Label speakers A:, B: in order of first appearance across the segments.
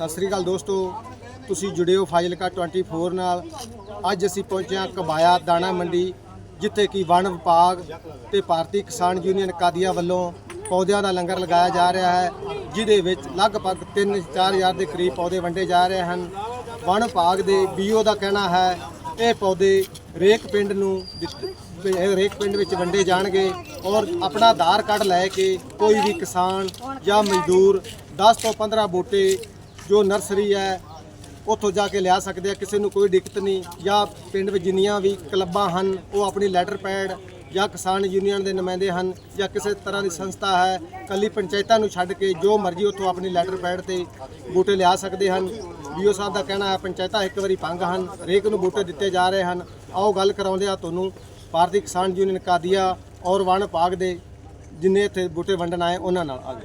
A: ਸਤਿ ਸ੍ਰੀ ਅਕਾਲ ਦੋਸਤੋ, ਤੁਸੀਂ ਜੁੜੇ ਹੋ ਫਾਜ਼ਿਲਕਾ 24 ਨਾਲ। ਅੱਜ ਅਸੀਂ ਪਹੁੰਚੇ ਹਾਂ ਕਬਾਇਆ ਦਾਣਾ ਮੰਡੀ, ਜਿੱਥੇ ਕਿ ਵਣ ਵਿਭਾਗ ਤੇ ਭਾਰਤੀ ਕਿਸਾਨ ਯੂਨੀਅਨ ਕਾਦੀਆਂ ਵੱਲੋਂ ਪੌਦਿਆਂ ਦਾ ਲੰਗਰ ਲਗਾਇਆ ਜਾ ਰਿਹਾ ਹੈ, ਜਿਹਦੇ ਵਿੱਚ ਲਗਭਗ 3-4 ਹਜ਼ਾਰ ਦੇ ਕਰੀਬ ਪੌਦੇ ਵੰਡੇ ਜਾ ਰਹੇ ਹਨ। ਵਣ ਵਿਭਾਗ ਦੇ BO ਦਾ ਕਹਿਣਾ ਹੈ ਇਹ ਪੌਦੇ ਹਰੇਕ ਪਿੰਡ ਵਿੱਚ ਵੰਡੇ ਜਾਣਗੇ ਔਰ ਆਪਣਾ ਆਧਾਰ ਕਾਰਡ ਲੈ ਕੇ ਕੋਈ ਵੀ ਕਿਸਾਨ ਜਾਂ ਮਜ਼ਦੂਰ 10 ਤੋਂ 15 ਬੂਟੇ ਜੋ ਨਰਸਰੀ ਹੈ ਉੱਥੋਂ ਜਾ ਕੇ ਲਿਆ ਸਕਦੇ ਆ। ਕਿਸੇ ਨੂੰ ਕੋਈ ਦਿੱਕਤ ਨਹੀਂ। ਜਾਂ ਪਿੰਡ ਵਿੱਚ ਜਿੰਨੀਆਂ ਵੀ ਕਲੱਬਾਂ ਹਨ ਉਹ ਆਪਣੀ ਲੈਟਰ ਪੈਡ ਜਾਂ ਕਿਸਾਨ ਯੂਨੀਅਨ ਦੇ ਨੁਮਾਇੰਦੇ ਹਨ ਜਾਂ ਕਿਸੇ ਤਰ੍ਹਾਂ ਦੀ ਸੰਸਥਾ ਹੈ, ਕੱਲੀ ਪੰਚਾਇਤਾਂ ਨੂੰ ਛੱਡ ਕੇ ਜੋ ਮਰਜ਼ੀ ਉੱਥੋਂ ਆਪਣੀ ਲੈਟਰ ਪੈਡ ਤੇ ਬੂਟੇ ਲਿਆ ਸਕਦੇ ਹਨ। BO ਸਾਹਿਬ ਦਾ ਕਹਿਣਾ ਹੈ ਪੰਚਾਇਤਾਂ ਇੱਕ ਵਾਰੀ ਭੰਗ ਹਨ, ਹਰੇਕ ਨੂੰ ਬੂਟੇ ਦਿੱਤੇ ਜਾ ਰਹੇ ਹਨ। ਆਓ ਗੱਲ ਕਰਾਉਂਦੇ ਆ ਤੁਹਾਨੂੰ ਭਾਰਤੀ ਕਿਸਾਨ ਯੂਨੀਅਨ ਕਾਦੀਆਂ ਔਰ ਵਣ ਵਿਭਾਗ ਦੇ ਜਿੰਨੇ ਇੱਥੇ ਬੂਟੇ ਵੰਡਣ ਆਏ ਉਹਨਾਂ ਨਾਲ। ਆ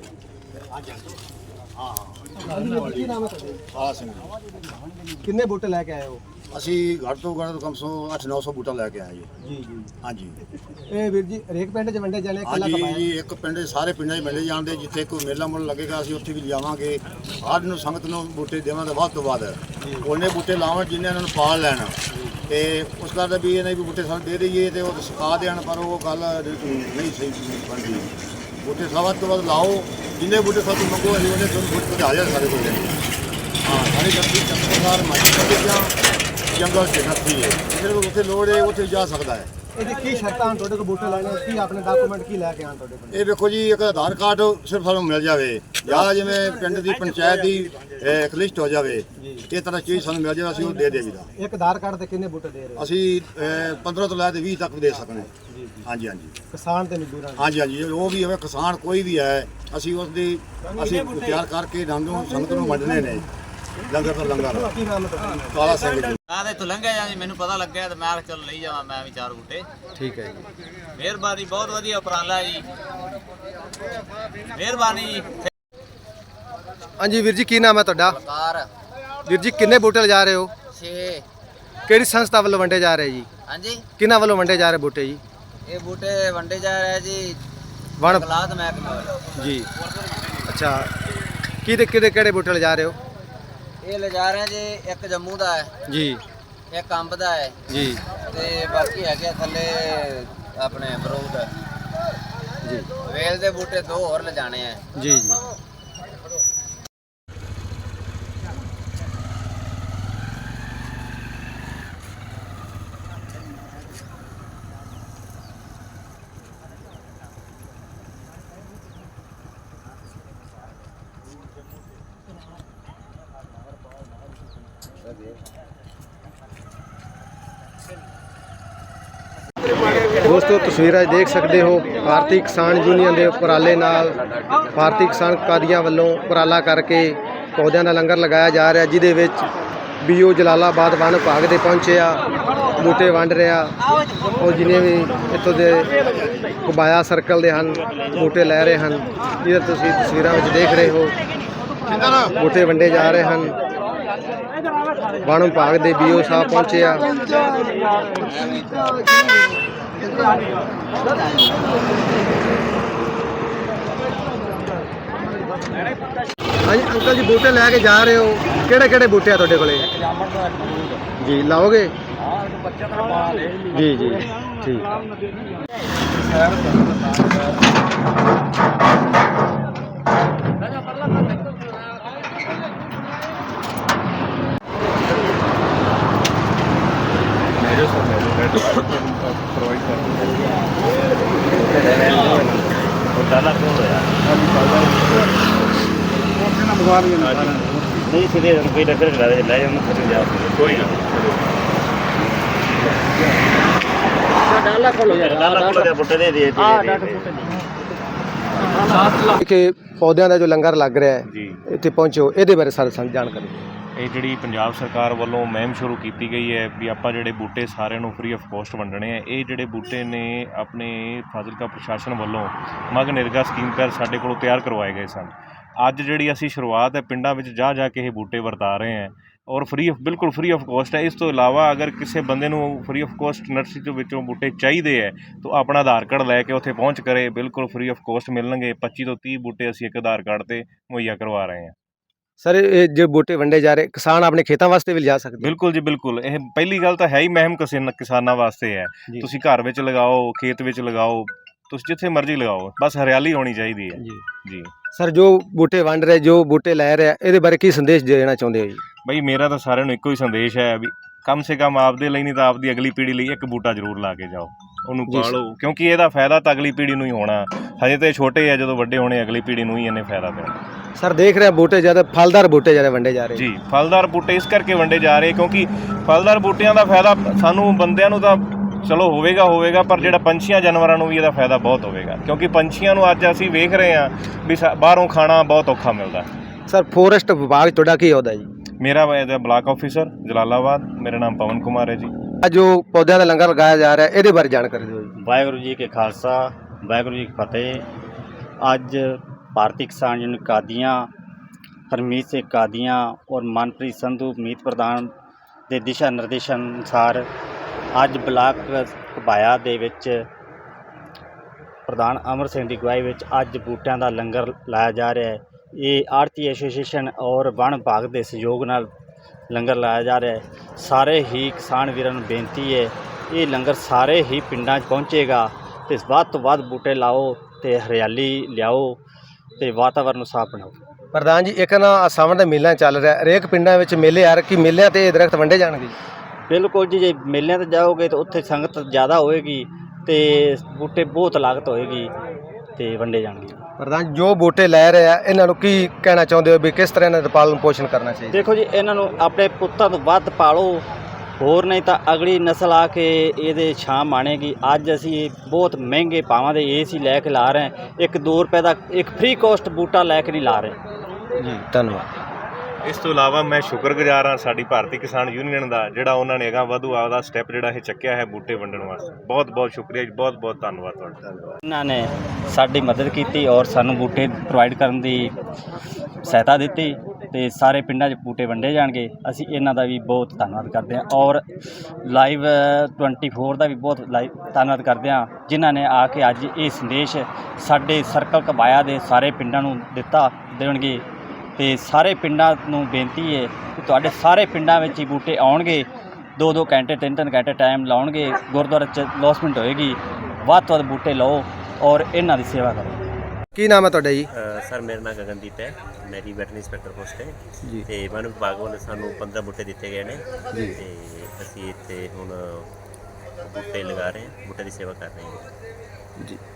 A: ਕਿੰਨੇ ਬੂਟੇ ਲੈ ਕੇ ਆਏ ਹੋ?
B: ਅਸੀਂ ਘੱਟ ਤੋਂ ਘੱਟ ਕਮ ਸੇ 800-900 ਬੂਟਾ ਲੈ ਕੇ ਆਏ ਜੀ।
A: ਜੀ
B: ਹਾਂਜੀ।
A: ਇਹ ਵੀਰ ਜੀ ਹਰੇਕ ਪਿੰਡ 'ਚ ਵੰਡੇ ਜਾਣੇ?
B: ਹਾਂਜੀ ਜੀ, ਇੱਕ ਪਿੰਡ ਸਾਰੇ ਪਿੰਡਾਂ 'ਚ ਮਿਲੇ ਜਾਂਦੇ। ਜਿੱਥੇ ਕੋਈ ਮੇਲਾ ਮੁੱਲ ਲੱਗੇਗਾ ਅਸੀਂ ਉੱਥੇ ਵੀ ਲਿਜਾਵਾਂਗੇ। ਹਰ ਨੂੰ ਸੰਗਤ ਨੂੰ ਬੂਟੇ ਦੇਵਾਂਗੇ ਵੱਧ ਤੋਂ ਵੱਧ। ਉਹਨੇ ਬੂਟੇ ਲਾਵਣ ਜਿੰਨੇ ਇਹਨਾਂ ਨੂੰ ਪਾਲ ਲੈਣ ਤੇ ਉਸ ਦਾ ਵੀ ਇਹਨਾਂ ਵੀ ਬੂਟੇ ਸਾਨੂੰ ਦੇ ਦਈਏ ਤੇ ਉਹ ਸਿਖਾ ਦੇਣ, ਪਰ ਉਹ ਗੱਲ ਨਹੀਂ ਸਹੀ ਬਣਦੀ। ਬੂਟੇ ਵੱਧ ਤੋਂ ਵੱਧ ਲਾਓ, ਜਿੰਨੇ ਬੂਟੇ ਸਾਨੂੰ ਮੰਗੋ ਅਸੀਂ ਉਹਨੇ ਤੁਹਾਨੂੰ ਬੂਟੇ ਪਹੁੰਚਾ ਦਿਆ ਸਾਡੇ ਕੋਲ। ਹਾਂ, ਸਾਡੀ ਧਰਤੀ ਚੰਦਰਵਾਰ ਜੰਗਲ ਚ ਨੱਥੀ ਹੈ, ਜਿਹਦੇ ਕੋਲ ਉੱਥੇ ਲੋੜ ਹੈ ਉੱਥੇ ਜਾ ਸਕਦਾ ਹੈ।
A: ਇਹਦੀ ਕੀ ਸ਼ਰਤਾਂ ਹਨ ਤੁਹਾਡੇ ਕੋਲ ਬੂਟੇ ਲੈਣੇ? ਕੀ ਆਪਣੇ ਡਾਕੂਮੈਂਟ ਕੀ ਲੈ ਕੇ ਆਣ ਤੁਹਾਡੇ ਕੋਲ?
B: ਇਹ ਵੇਖੋ ਜੀ, ਇੱਕ ਆਧਾਰ ਕਾਰਡ ਸਿਰਫ ਸਾਨੂੰ ਮਿਲ ਜਾਵੇ ਜਾਂ ਜਿਵੇਂ ਪਿੰਡ ਦੀ ਪੰਚਾਇਤ ਦੀ ਇੱਕ ਲਿਸਟ ਹੋ ਜਾਵੇ, ਇਹ ਤਰ੍ਹਾਂ ਚੀਜ਼ ਸਾਨੂੰ ਮਿਲ ਜਾਵੇ, ਅਸੀਂ ਉਹ ਦੇ ਦੇਵੀਦਾ।
A: ਇੱਕ ਆਧਾਰ ਕਾਰਡ ਤੇ ਕਿੰਨੇ ਬੂਟੇ ਦੇ ਰਹੇ ਹੋ?
B: ਅਸੀਂ 15 ਤੋਂ ਲੈ ਕੇ 20 ਤੱਕ ਦੇ ਸਕਦੇ ਹਾਂ। ਹਾਂਜੀ ਹਾਂਜੀ,
A: ਕਿਸਾਨ ਤੇ ਮਜ਼ਦੂਰਾਂ ਨੂੰ?
B: ਹਾਂਜੀ ਹਾਂਜੀ, ਉਹ ਵੀ ਹੋਵੇ ਕਿਸਾਨ ਕੋਈ ਵੀ ਹੈ, ਅਸੀਂ ਉਸ ਦੀ ਤਿਆਰ ਕਰਕੇ ਸੰਗਤ ਨੂੰ ਵੰਡਣੇ ਨੇ। ਲੰਗਰ ਤੋਂ ਲੰਗਰ।
A: ਕੀ ਨਾਮ ਹੈ ਤੁਹਾਡਾ?
B: ਕਾਲਾ ਸਿੰਘ ਜੀ।
C: ਮੈਂ ਤਾਂ ਇੱਥੋਂ ਲੰਘਿਆ ਜਾਂ ਮੈਨੂੰ ਪਤਾ ਲੱਗਿਆ ਤੇ ਮੈਂ ਕਿਹਾ ਚੱਲ ਲਈ ਜਾਵਾਂ ਮੈਂ ਵੀ 4 ਬੂਟੇ।
A: ਠੀਕ ਹੈ ਜੀ,
C: ਮਿਹਰਬਾਨੀ, ਬਹੁਤ ਵਧੀਆ ਉਪਰਾਲਾ ਜੀ, ਮਿਹਰਬਾਨੀ ਜੀ।
A: ਹਾਂਜੀ ਵੀਰ ਜੀ, ਕੀ ਨਾਮ ਹੈ ਤੁਹਾਡਾ?
C: ਕਾਰ
A: ਵੀਰ ਜੀ ਕਿੰਨੇ ਬੂਟੇ ਲਿਜਾ ਰਹੇ ਹੋ?
C: 6।
A: ਕਿਹੜੀ ਸੰਸਥਾ ਵੱਲੋਂ ਵੰਡੇ ਜਾ ਰਹੇ ਜੀ?
C: ਹਾਂਜੀ,
A: ਕਿਹਨਾਂ ਵੱਲੋਂ ਵੰਡੇ ਜਾ ਰਹੇ ਬੂਟੇ ਜੀ?
C: ਇਹ ਬੂਟੇ ਵੰਡੇ ਜਾ ਰਹੇ ਜੀ
A: ਵਣ
C: ਕਲਾਦ ਮਹਿਕਮੇ ਵੱਲੋਂ
A: ਜੀ। ਅੱਛਾ, ਕਿਹੜੇ ਬੂਟੇ ਲਿਜਾ ਰਹੇ ਹੋ?
C: ਇਹ ਲਿਜਾ ਰਹੇ ਜੀ, ਇੱਕ ਜੰਮੂ ਦਾ ਹੈ
A: ਜੀ,
C: ਇੱਕ ਅੰਬ ਦਾ ਹੈ
A: ਜੀ
C: ਤੇ ਬਾਕੀ ਹੈਗੇ ਥੱਲੇ ਆਪਣੇ ਅਮਰੂਦ
A: ਜੀ,
C: ਵੇਲ ਦੇ ਬੂਟੇ 2 ਹੋਰ ਲਿਜਾਣੇ ਆ
A: ਜੀ ਜੀ। ਦੋਸਤੋ ਤਸਵੀਰਾਂ 'ਚ ਦੇਖ ਸਕਦੇ ਹੋ ਭਾਰਤੀ ਕਿਸਾਨ ਯੂਨੀਅਨ ਦੇ ਉਪਰਾਲੇ ਨਾਲ ਭਾਰਤੀ ਕਿਸਾਨ ਕਾਦੀਆਂ ਵੱਲੋਂ ਉਪਰਾਲਾ ਕਰਕੇ ਪੌਦਿਆਂ ਦਾ ਲੰਗਰ ਲਗਾਇਆ ਜਾ ਰਿਹਾ, ਜਿਹਦੇ ਵਿੱਚ BO ਜਲਾਲਾਬਾਦ ਵਣ ਵਿਭਾਗ ਦੇ ਪਹੁੰਚੇ ਆ, ਬੂਟੇ ਵੰਡ ਰਿਹਾ। ਉਹ ਜਿੰਨੇ ਵੀ ਇੱਥੋਂ ਦੇ ਕਬਾਇਆ ਸਰਕਲ ਦੇ ਹਨ ਬੂਟੇ ਲੈ ਰਹੇ ਹਨ। ਇਹ ਤੁਸੀਂ ਤਸਵੀਰਾਂ ਵਿੱਚ ਦੇਖ ਰਹੇ ਹੋ, ਬੂਟੇ ਵੰਡੇ ਜਾ ਰਹੇ ਹਨ। ਵਣ ਵਿਭਾਗ ਦੇ BO ਸਾਹਿਬ ਪਹੁੰਚੇ ਆ। ਹਾਂਜੀ ਅੰਕਲ ਜੀ, ਬੂਟੇ ਲੈ ਕੇ ਜਾ ਰਹੇ ਹੋ, ਕਿਹੜੇ ਬੂਟੇ ਆ ਤੁਹਾਡੇ ਕੋਲੇ? ਜੀ ਲਾਓਗੇ? ਜੀ ਜੀ, ਠੀਕ।
D: नहीं सीधे कोई डॉक्टर करा दे ले जाओ फिर जा कोई ना डाला खोलो यार डाला खोलो दे बुट्टे दे दिए हां डाटा बुट्टे
A: ਕਿ ਪੌਦਿਆਂ ਦਾ ਜੋ ਲੰਗਰ ਲੱਗ ਰਿਹਾ ਹੈ
D: ਜੀ,
A: ਇੱਥੇ ਪਹੁੰਚੋ, ਇਹਦੇ ਬਾਰੇ ਸਾਨੂੰ ਜਾਣਕਾਰੀ।
D: ਇਹ ਜਿਹੜੀ ਪੰਜਾਬ ਸਰਕਾਰ ਵੱਲੋਂ ਮੁਹਿੰਮ ਸ਼ੁਰੂ ਕੀਤੀ ਗਈ ਹੈ ਵੀ ਆਪਾਂ ਜਿਹੜੇ ਬੂਟੇ ਸਾਰਿਆਂ ਨੂੰ ਫ੍ਰੀ ਆਫ ਕੋਸਟ ਵੰਡਣੇ ਆ। ਇਹ ਜਿਹੜੇ ਬੂਟੇ ਨੇ ਆਪਣੇ ਫਾਜ਼ਿਲਕਾ ਪ੍ਰਸ਼ਾਸਨ ਵੱਲੋਂ ਮਗ ਨਿਰਗਾ ਸਕੀਮ ਤਹਿਤ ਸਾਡੇ ਕੋਲੋਂ ਤਿਆਰ ਕਰਵਾਏ ਗਏ ਸਨ। ਅੱਜ ਜਿਹੜੀ ਅਸੀਂ ਸ਼ੁਰੂਆਤ ਹੈ ਪਿੰਡਾਂ ਵਿੱਚ ਜਾ ਕੇ ਇਹ ਬੂਟੇ ਵਰਤਾ ਰਹੇ ਹਾਂ ਔਰ ਬਿਲਕੁਲ ਫ੍ਰੀ ਆਫ ਕੋਸਟ ਹੈ। ਇਸ ਤੋਂ ਇਲਾਵਾ ਅਗਰ ਕਿਸੇ ਬੰਦੇ ਨੂੰ ਫ੍ਰੀ ਆਫ ਕੋਸਟ ਨਰਸਰੀ ਦੇ ਵਿੱਚੋਂ ਬੂਟੇ ਚਾਹੀਦੇ ਹੈ ਤਾਂ ਆਪਣਾ ਆਧਾਰ ਕਾਰਡ ਲੈ ਕੇ ਉੱਥੇ ਪਹੁੰਚ ਕਰੇ, ਬਿਲਕੁਲ ਫ੍ਰੀ ਆਫ ਕੋਸਟ ਮਿਲਣਗੇ। 25 ਤੋਂ 30 ਬੂਟੇ ਅਸੀਂ ਇੱਕ ਆਧਾਰ ਕਾਰਡ 'ਤੇ ਮੁਹੱਈਆ ਕਰਵਾ ਰਹੇ ਹਾਂ।
A: ਸਰ ਇਹ ਜੇ ਬੂਟੇ ਵੰਡੇ ਜਾ ਰਹੇ ਕਿਸਾਨ ਆਪਣੇ ਖੇਤਾਂ ਵਾਸਤੇ ਵੀ ਲਿਜਾ ਸਕਦੇ?
D: ਬਿਲਕੁਲ ਜੀ ਬਿਲਕੁਲ। ਇਹ ਪਹਿਲੀ ਗੱਲ ਤਾਂ ਹੈ ਹੀ ਮਹਿਮ ਕਿਸਾਨਾਂ ਵਾਸਤੇ ਹੈ।
A: ਜੀ।
D: ਤੁਸੀਂ ਘਰ ਵਿੱਚ ਲਗਾਓ, ਖੇਤ ਵਿੱਚ ਲਗਾਓ, ਤੁਸੀਂ ਜਿੱਥੇ ਮਰਜ਼ੀ ਲਗਾਓ, ਬਸ ਹਰਿਆਲੀ ਹੋਣੀ ਚਾਹੀਦੀ ਹੈ ਜੀ।
A: ਸਰ ਜੋ ਬੂਟੇ ਵੰਡ ਰਹੇ, ਜੋ ਬੂਟੇ ਲੈ ਰਹੇ, ਇਹਦੇ ਬਾਰੇ ਕੀ ਸੰਦੇਸ਼ ਦੇਣਾ ਚਾਹੁੰਦੇ ਹੋ ਜੀ?
D: ਬਈ ਮੇਰਾ ਤਾਂ ਸਾਰਿਆਂ ਨੂੰ ਇੱਕੋ ਹੀ ਸੰਦੇਸ਼ ਹੈ ਵੀ ਕਮ ਸੇ ਕਮ ਆਪਦੇ ਲਈ ਨਹੀਂ ਤਾਂ ਆਪਦੀ ਅਗਲੀ ਪੀੜ੍ਹੀ ਲਈ ਇੱਕ ਬੂਟਾ ਜ਼ਰੂਰ ਲਾ ਕੇ ਜਾਓ, ਉਹਨੂੰ
A: ਜੀ।
D: ਪਾਲੋ, ਕਿਉਂਕਿ ਇਹਦਾ ਫਾਇਦਾ ਤਾਂ ਅਗਲੀ ਪੀੜ੍ਹੀ ਨੂੰ ਹੀ ਹੋਣਾ। ਹਜੇ ਤਾਂ ਇਹ ਛੋਟੇ ਆ, ਜਦੋਂ ਵੱਡੇ ਹੋਣੇ ਅਗਲੀ ਪੀੜ੍ਹੀ ਨੂੰ ਹੀ ਇਹਨੇ ਫਾਇਦਾ ਦੇਣਾ।
A: ਸਰ ਦੇਖ ਰਹੇ ਬੂਟੇ ਜ਼ਿਆਦਾ ਫਲਦਾਰ ਬੂਟੇ ਜ਼ਿਆਦਾ ਵੰਡੇ ਜਾ ਰਹੇ
D: ਜੀ, ਫਲਦਾਰ ਬੂਟੇ ਇਸ ਕਰਕੇ ਵੰਡੇ ਜਾ ਰਹੇ ਕਿਉਂਕਿ ਫਲਦਾਰ ਬੂਟਿਆਂ ਦਾ ਫਾਇਦਾ ਸਾਨੂੰ ਬੰਦਿਆਂ ਨੂੰ ਤਾਂ ਚਲੋ ਹੋਵੇਗਾ, ਪਰ ਜਿਹੜਾ ਪੰਛੀਆਂ ਜਾਨਵਰਾਂ ਨੂੰ ਵੀ ਇਹਦਾ ਫਾਇਦਾ ਬਹੁਤ ਹੋਵੇਗਾ, ਕਿਉਂਕਿ ਪੰਛੀਆਂ ਨੂੰ ਅੱਜ ਅਸੀਂ ਵੇਖ ਰਹੇ ਹਾਂ ਵੀ ਬਾਹਰੋਂ ਖਾਣਾ ਬਹੁਤ ਔਖਾ ਮਿਲਦਾ।
A: ਸਰ ਫੋਰੈਸਟ ਵਿਭਾਗ ਤੁਹਾਡਾ ਕੀ ਅਹੁਦਾ ਜੀ?
D: ਮੇਰਾ ਇਹਦਾ ਬਲਾਕ ਆਫਿਸਰ ਜਲਾਲਾਬਾਦ, ਮੇਰਾ ਨਾਮ ਪਵਨ ਕੁਮਾਰ ਹੈ ਜੀ।
A: ਅੱਜ ਜੋ ਪੌਦਿਆਂ ਦਾ ਲੰਗਰ ਲਗਾਇਆ ਜਾ ਰਿਹਾ ਇਹਦੇ ਬਾਰੇ ਜਾਣਕਾਰੀ ਦਿਓ ਜੀ।
E: ਵਾਹਿਗੁਰੂ ਜੀ ਕੇ ਖਾਲਸਾ, ਵਾਹਿਗੁਰੂ ਜੀ ਕੀ ਫਤਿਹ। ਅੱਜ ਭਾਰਤੀ ਕਿਸਾਨ ਯੂਨੀਅਨ ਕਾਦੀਆਂ, ਹਰਮੀਤ ਸਿੰਘ ਕਾਦੀਆਂ ਔਰ ਮਨਪ੍ਰੀਤ ਸੰਧੂ ਮੀਤ ਪ੍ਰਧਾਨ ਦੇ ਦਿਸ਼ਾ ਨਿਰਦੇਸ਼ਾਂ ਅਨੁਸਾਰ ਅੱਜ ਬਲਾਕ ਘਬਾਇਆ ਦੇ ਵਿੱਚ ਪ੍ਰਧਾਨ ਅਮਰ ਸਿੰਘ ਦੀ ਅਗਵਾਈ ਵਿੱਚ ਅੱਜ ਬੂਟਿਆਂ ਦਾ ਲੰਗਰ ਲਾਇਆ ਜਾ ਰਿਹਾ ਹੈ। ਇਹ ਆੜਤੀ ਐਸੋਸੀਏਸ਼ਨ ਔਰ ਵਣ ਵਿਭਾਗ ਦੇ ਸਹਿਯੋਗ ਨਾਲ ਲੰਗਰ ਲਾਇਆ ਜਾ ਰਿਹਾ ਹੈ। ਸਾਰੇ ਹੀ ਕਿਸਾਨ ਵੀਰਾਂ ਨੂੰ ਬੇਨਤੀ ਹੈ, ਇਹ ਲੰਗਰ ਸਾਰੇ ਹੀ ਪਿੰਡਾਂ 'ਚ ਪਹੁੰਚੇਗਾ ਅਤੇ ਵੱਧ ਤੋਂ ਵੱਧ ਬੂਟੇ ਲਾਓ ਅਤੇ ਹਰਿਆਲੀ ਲਿਆਓ ਅਤੇ ਵਾਤਾਵਰਨ ਨੂੰ ਸਾਫ਼ ਬਣਾਓ।
A: ਪ੍ਰਧਾਨ ਜੀ ਇੱਕ ਨਾ ਸਾਵਣ ਦਾ ਮੇਲਾ ਚੱਲ ਰਿਹਾ, ਹਰੇਕ ਪਿੰਡਾਂ ਵਿੱਚ ਮੇਲੇ ਆ ਰਹੇ, ਕਿ ਮੇਲਿਆਂ ਤੇ ਇਹ ਦਰਖਤ ਵੰਡੇ ਜਾਣਗੇ?
E: ਬਿਲਕੁਲ ਜੀ, ਜੇ ਮੇਲਿਆਂ 'ਤੇ ਜਾਓਗੇ ਤਾਂ ਉੱਥੇ ਸੰਗਤ ਜ਼ਿਆਦਾ ਹੋਏਗੀ ਅਤੇ ਬੂਟੇ ਬਹੁਤ ਲਾਗਤ ਹੋਏਗੀ ਅਤੇ ਵੰਡੇ ਜਾਣਗੇ।
A: ਪ੍ਰਧਾਨ ਜੋ ਬੂਟੇ ਲੈ ਰਹੇ ਆ ਇਹਨਾਂ ਨੂੰ ਕੀ ਕਹਿਣਾ ਚਾਹੁੰਦੇ ਹੋ ਵੀ ਕਿਸ ਤਰ੍ਹਾਂ ਇਹਨਾਂ ਦਾ ਪਾਲਣ ਪੋਸ਼ਣ ਕਰਨਾ ਚਾਹੀਦਾ?
E: ਦੇਖੋ ਜੀ, ਇਹਨਾਂ ਨੂੰ ਆਪਣੇ ਪੁੱਤਾਂ ਤੋਂ ਵੱਧ ਪਾਲੋ, ਹੋਰ ਨਹੀਂ ਤਾਂ ਅਗਲੀ ਨਸਲ ਆ ਕੇ ਇਹਦੇ ਛਾਂ ਮਾਣੇਗੀ। ਅੱਜ ਅਸੀਂ ਬਹੁਤ ਮਹਿੰਗੇ ਭਾਵਾਂ ਦੇ ਏਸੀ ਲੈ ਕੇ ਲਾ ਰਹੇ ਹਾਂ, 1-2 ਰੁਪਏ ਦਾ ਇੱਕ ਫ੍ਰੀ ਕੋਸਟ ਬੂਟਾ ਲੈ ਕੇ ਨਹੀਂ ਲਾ ਰਹੇ
A: ਜੀ। ਧੰਨਵਾਦ।
D: ਇਸ ਤੋਂ ਇਲਾਵਾ ਮੈਂ ਸ਼ੁਕਰਗੁਜ਼ਾਰ ਹਾਂ ਸਾਡੀ ਭਾਰਤੀ ਕਿਸਾਨ ਯੂਨੀਅਨ ਦਾ, ਜਿਹੜਾ ਉਹਨਾਂ ਨੇ ਅਗਾਂਹ ਵਧੂ ਆਪਦਾ ਸਟੈਪ ਜਿਹੜਾ ਇਹ ਚੱਕਿਆ ਹੈ ਬੂਟੇ ਵੰਡਣ ਵਾਸਤੇ। ਬਹੁਤ ਬਹੁਤ ਸ਼ੁਕਰੀਆ ਜੀ, ਬਹੁਤ ਬਹੁਤ ਧੰਨਵਾਦ ਤੁਹਾਡਾ।
E: ਇਹਨਾਂ ਨੇ ਸਾਡੀ ਮਦਦ ਕੀਤੀ ਔਰ ਸਾਨੂੰ ਬੂਟੇ ਪ੍ਰੋਵਾਈਡ ਕਰਨ ਦੀ ਸਹਾਇਤਾ ਦਿੱਤੀ ਅਤੇ ਸਾਰੇ ਪਿੰਡਾਂ 'ਚ ਬੂਟੇ ਵੰਡੇ ਜਾਣਗੇ। ਅਸੀਂ ਇਹਨਾਂ ਦਾ ਵੀ ਬਹੁਤ ਧੰਨਵਾਦ ਕਰਦੇ ਹਾਂ ਔਰ ਲਾਈਵ 24 ਦਾ ਵੀ ਬਹੁਤ ਧੰਨਵਾਦ ਕਰਦੇ ਹਾਂ, ਜਿਨ੍ਹਾਂ ਨੇ ਆ ਕੇ ਅੱਜ ਇਹ ਸੰਦੇਸ਼ ਸਾਡੇ ਸਰਕਲ ਘਬਾਇਆ ਦੇ ਸਾਰੇ ਪਿੰਡਾਂ ਨੂੰ ਦੇਣਗੇ। ਅਤੇ ਸਾਰੇ ਪਿੰਡਾਂ ਨੂੰ ਬੇਨਤੀ ਹੈ ਕਿ ਤੁਹਾਡੇ ਸਾਰੇ ਪਿੰਡਾਂ ਵਿੱਚ ਹੀ ਬੂਟੇ ਆਉਣਗੇ, 2-2 ਘੰਟੇ 3-3 ਘੰਟੇ ਟਾਈਮ ਲਾਉਣਗੇ, ਗੁਰਦੁਆਰੇ 'ਚ ਲੌਸਮੈਂਟ ਹੋਏਗੀ। ਵੱਧ ਤੋਂ ਵੱਧ ਬੂਟੇ ਲਾਓ ਔਰ ਇਹਨਾਂ ਦੀ ਸੇਵਾ ਕਰੋ।
A: ਕੀ ਨਾਮ ਹੈ ਤੁਹਾਡਾ ਜੀ?
F: ਸਰ ਮੇਰਾ ਨਾਮ ਗਗਨਦੀਪ ਹੈ, ਮੇਰੀ ਵੈਟਰਨਰੀ ਇੰਸਪੈਕਟਰ ਪੋਸਟ ਹੈ
A: ਜੀ।
F: ਅਤੇ ਵਣ ਵਿਭਾਗ ਵੱਲੋਂ ਸਾਨੂੰ 15 ਬੂਟੇ ਦਿੱਤੇ ਗਏ ਨੇ
A: ਜੀ।
F: ਅਤੇ ਅਸੀਂ ਇੱਥੇ ਹੁਣ ਬੂਟੇ ਲਗਾ ਰਹੇ ਹਾਂ, ਬੂਟੇ ਦੀ ਸੇਵਾ ਕਰ ਰਹੇ ਹਾਂ
A: ਜੀ।